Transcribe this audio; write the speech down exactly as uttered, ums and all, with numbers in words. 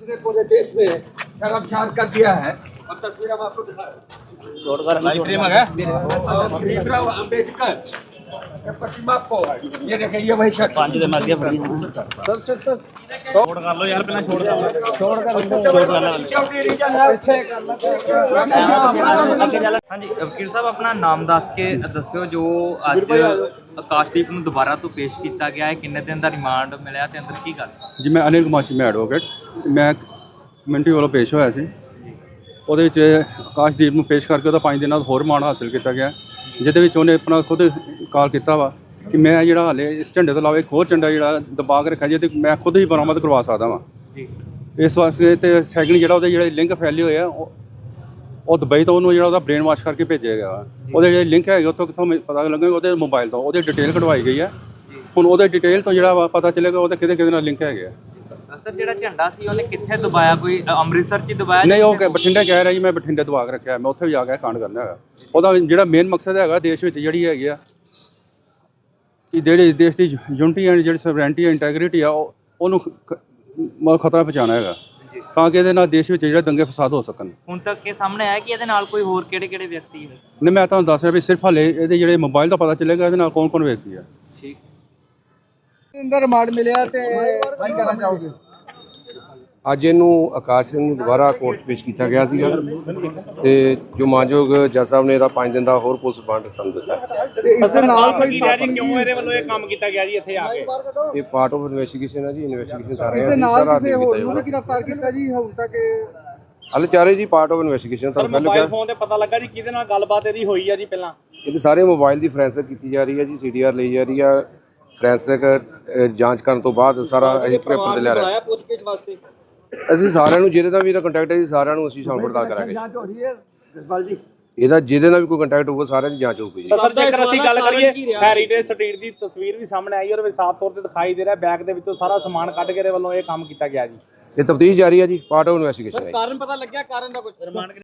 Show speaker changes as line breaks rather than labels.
ने पूरे देश में शर्मसार कर दिया है और तस्वीर हम आपको दिखा भीमराव अम्बेडकर के प्रतिमा को ये देखिए ये वही शख्स
पांच दिन लग गया फड़ी छोड़ कर लो यार पहले छोड़ कर छोड़ कर छोड़ कर ਹਾਂਜੀ ਵਕੀਲ ਸਾਹਿਬ ਆਪਣਾ ਨਾਮ ਦੱਸ ਕੇ ਦੱਸਿਓ ਜੋ ਅੱਜ ਆਕਾਸ਼ਦੀਪ ਨੂੰ ਦੁਬਾਰਾ ਤੋਂ ਪੇਸ਼ ਕੀਤਾ ਗਿਆ ਹੈ ਕਿੰਨੇ ਦਿਨ ਦਾ ਰਿਮਾਂਡ ਮਿਲਿਆ ਤੇ ਅੰਦਰ ਕੀ ਗੱਲ
ਜੀ ਮੈਂ ਅਨਿਲ ਕੁਮਾਰ ਜੀ ਮੈਂ ਐਡਵੋਕੇਟ ਮੈਂ ਕਮਿਊਨਿਟੀ ਵੱਲੋਂ ਪੇਸ਼ ਹੋਇਆ ਸੀ ਉਹਦੇ ਵਿੱਚ ਆਕਾਸ਼ਦੀਪ ਨੂੰ ਪੇਸ਼ ਕਰਕੇ ਉਹਦਾ ਪੰਜ ਦਿਨਾਂ ਦਾ ਹੋਰ ਰਿਮਾਂਡ ਹਾਸਿਲ ਕੀਤਾ ਗਿਆ ਜਿਹਦੇ ਵਿੱਚ ਉਹਨੇ ਆਪਣਾ ਖੁਦ ਕਾਲ ਕੀਤਾ ਵਾ ਕਿ ਮੈਂ ਜਿਹੜਾ ਹਾਲੇ ਇਸ ਝੰਡੇ ਤੋਂ ਇਲਾਵਾ ਇੱਕ ਹੋਰ ਝੰਡਾ ਜਿਹੜਾ ਦਬਾ ਕੇ ਰੱਖਿਆ ਜਿਹਦੇ ਮੈਂ ਖੁਦ ਹੀ ਬਰਾਮਦ ਕਰਵਾ ਸਕਦਾ ਵਾਂ
ਜੀ
ਇਸ ਵਾਸਤੇ ਤੇ ਸੈਕਿੰਡ ਜਿਹੜਾ ਉਹਦੇ ਜਿਹੜੇ ਲਿੰਕ ਫੈਲੇ ਹੋਏ ਆ ਉਹ ਦੁਬਈ ਤੋਂ ਉਹਨੂੰ ਜਿਹੜਾ ਉਹਦਾ ਬ੍ਰੇਨ ਵਾਸ਼ ਕਰਕੇ ਭੇਜਿਆ ਗਿਆ ਉਹਦੇ ਜਿਹੜੇ ਲਿੰਕ ਹੈਗੇ ਉੱਥੋਂ ਕਿੱਥੋਂ ਪਤਾ ਲੱਗੇਗਾ ਉਹਦੇ ਮੋਬਾਈਲ ਤੋਂ ਉਹਦੀ ਡਿਟੇਲ ਕਢਵਾਈ ਗਈ ਹੈ ਹੁਣ ਉਹਦੇ ਡਿਟੇਲ ਤੋਂ ਜਿਹੜਾ ਵਾ ਪਤਾ ਚੱਲੇਗਾ ਉਹਦੇ ਕਿਹਦੇ ਕਿਹਦੇ ਨਾਲ ਲਿੰਕ ਹੈਗੇ ਆ
ਸਰ ਜਿਹੜਾ ਝੰਡਾ ਸੀ ਉਹਨੇ ਕਿੱਥੇ ਦਬਾਇਆ ਕੋਈ ਅੰਮ੍ਰਿਤਸਰ 'ਚ ਦਬਾਇਆ
ਨਹੀਂ ਉਹ ਬਠਿੰਡੇ ਕਹਿ ਰਿਹਾ ਜੀ ਮੈਂ ਬਠਿੰਡੇ ਦਬਾ ਕੇ ਰੱਖਿਆ ਮੈਂ ਉੱਥੇ ਵੀ ਜਾ ਕੇ ਕਾਂਡ ਕਰਨਾ ਹੈਗਾ ਉਹਦਾ ਜਿਹੜਾ ਮੇਨ ਮਕਸਦ ਹੈਗਾ ਦੇਸ਼ ਵਿੱਚ ਜਿਹੜੀ ਹੈਗੀ ਆ ਕਿ ਜਿਹੜੇ ਦੇਸ਼ ਦੀ ਯੂਨਿਟੀ ਐਂਡ ਜਿਹੜੀ ਸਵਰੈਂਟੀ ਇੰਟੈਗ੍ਰਿਟੀ ਆ ਉਹਨੂੰ ਖਤਰਾ ਪਹੁੰਚਾਉਣਾ ਹੈਗਾ ਤਾਂ ਕਿ ਇਹਦੇ ਨਾਲ ਦੇਸ਼ ਵਿੱਚ ਜਿਹੜੇ ਦੰਗੇ ਫਸਾਦ ਹੋ ਸਕਣ
ਹੁਣ ਤੱਕ ਇਹ ਸਾਹਮਣੇ ਆਇਆ ਕਿ ਇਹਦੇ ਨਾਲ ਕੋਈ ਹੋਰ ਕਿਹੜੇ ਕਿਹੜੇ ਵਿਅਕਤੀ ਹੈ
ਨਹੀਂ ਮੈਂ ਤੁਹਾਨੂੰ ਦੱਸ ਰਿਹਾ ਵੀ ਸਿਰਫ ਹਾਲੇ ਇਹਦੇ ਜਿਹੜੇ ਮੋਬਾਈਲ ਦਾ ਪਤਾ ਚੱਲੇਗਾ ਇਹਦੇ ਨਾਲ ਕੌਣ ਕੌਣ ਵਿਅਕਤੀ ਆ
ਠੀਕ
ਅੰਦਰ ਰਿਮਾਂਡ ਮਿਲਿਆ ਤੇ ਕੀ ਕਹਿਣਾ ਚਾਹੋਗੇ
ਅੱਜ ਇਹਨੂੰ ਆਕਾਸ਼ ਸਿੰਘ ਨੂੰ ਦੁਬਾਰਾ ਕੋਰਟ 'ਚ ਪੇਸ਼ ਕੀਤਾ ਗਿਆ ਸੀਗਾ ਤੇ ਜੋ ਮਾਨਯੋਗ ਜੱਜ ਸਾਹਿਬ ਨੇ ਇਹਦਾ ਪੰਜ ਦਿਨ ਦਾ ਹੋਰ ਪੁਲਿਸ ਰਿਮਾਂਡ ਸਾਨੂੰ ਦਿੱਤਾ
ਤੇ ਇਸ ਦੇ ਨਾਲ ਕੋਈ ਸਾਥੀ
ਕਿਉਂ ਇਹਦੇ ਵੱਲੋਂ ਇਹ ਕੰਮ ਕੀਤਾ ਗਿਆ ਜੀ ਇੱਥੇ ਆ ਕੇ
ਇਹ ਪਾਰਟ ਆਫ ਇਨਵੈਸਟੀਗੇਸ਼ਨ ਹੈ ਜੀ ਇਨਵੈਸਟੀਗੇਸ਼ਨ ਕਰ ਰਹੇ
ਇਸ
ਹਾਂ
ਦੇ
ਅਸੀਂ,
ਨਾਲ
ਸਾਰਾ
ਕਿਸੇ
update
ਹੋਰ
ਕੀਤਾ
ਨੂੰ ਵੀ ਗ੍ਰਿਫਤਾਰ ਕੀਤਾ ਜੀ ਹੁਣ ਤੱਕ
ਹਲੇ ਚਾਰੇ ਜੀ ਪਾਰਟ ਆਫ ਇਨਵੈਸਟੀਗੇਸ਼ਨ
ਸਰ
ਤੁਹਾਨੂੰ ਪਹਿਲਾਂ
ਮੋਬਾਈਲ
ਕਿਹਾ
ਫੋਨ ਤੇ ਪਤਾ ਲੱਗਾ ਜੀ ਕਿਹਦੇ ਨਾਲ ਗੱਲਬਾਤ ਇਹਦੀ ਹੋਈ ਆ ਜੀ ਪਹਿਲਾਂ
ਇਹਦੇ ਸਾਰੇ ਮੋਬਾਈਲ ਦੀ ਫੋਰੈਂਸਿਕ ਕੀਤੀ ਜਾ ਰਹੀ ਹੈ ਜੀ ਸੀਡੀਆਰ ਲਈ ਜਾ ਰਹੀ ਹੈ ਫੋਰੈਂਸਿਕ ਜਾਂਚ ਕਰਨ ਤੋਂ ਬਾਅਦ ਸਾਰਾ ਅਸੀਂ ਪੇਪਰ ਤੇ ਲੈ ਰਹੇ ਹਾਂ ਅਸੀਂ ਸਾਰਿਆਂ ਨੂੰ ਜਿਹਦੇ ਨਾਲ ਵੀ ਇਹਦਾ ਕੰਟੈਕਟ ਹੈ ਜੀ ਸਾਰਿਆਂ ਨੂੰ ਅਸੀਂ ਸ਼ਾਮ ਪੜਤਾਲ ਕਰਾਂਗੇ
ਜਾਂਚ ਹੋ रही है जसपाल जी
ਇਹਦਾ ਜਿਹਦੇ ਨਾਲ ਵੀ ਕੋਈ ਕੰਟੈਕਟ ਹੋਊਗਾ ਸਾਰਿਆਂ ਦੀ ਜਾਂਚ ਹੋਊਗੀ ਜੀ
ਸਰ ਜੇਕਰ ਅਸੀਂ ਗੱਲ ਕਰੀਏ ਹੈਰੀਟੇਜ ਸਟਰੀਟ ਦੀ ਤਸਵੀਰ ਵੀ ਸਾਹਮਣੇ ਆਈ ਔਰ ਵੀ ਸਾਫ਼ ਤੌਰ ਤੇ ਦਿਖਾਈ ਦੇ ਰਿਹਾ ਬੈਗ ਦੇ ਵਿੱਚੋਂ ਸਾਰਾ ਸਮਾਨ ਕੱਢ ਕੇ ਇਹਦੇ ਵੱਲੋਂ ਇਹ ਕੰਮ ਕੀਤਾ ਗਿਆ ਜੀ
ਇਹ ਤਫਤੀਸ਼ ਜਾਰੀ ਹੈ ਜੀ ਪਾਰਟ ਆਫ ਇਨਵੈਸਟੀਗੇਸ਼ਨ ਹੈ
ਕਾਰਨ ਪਤਾ ਲੱਗਿਆ ਕਾਰਨ ਦਾ ਕੁਝ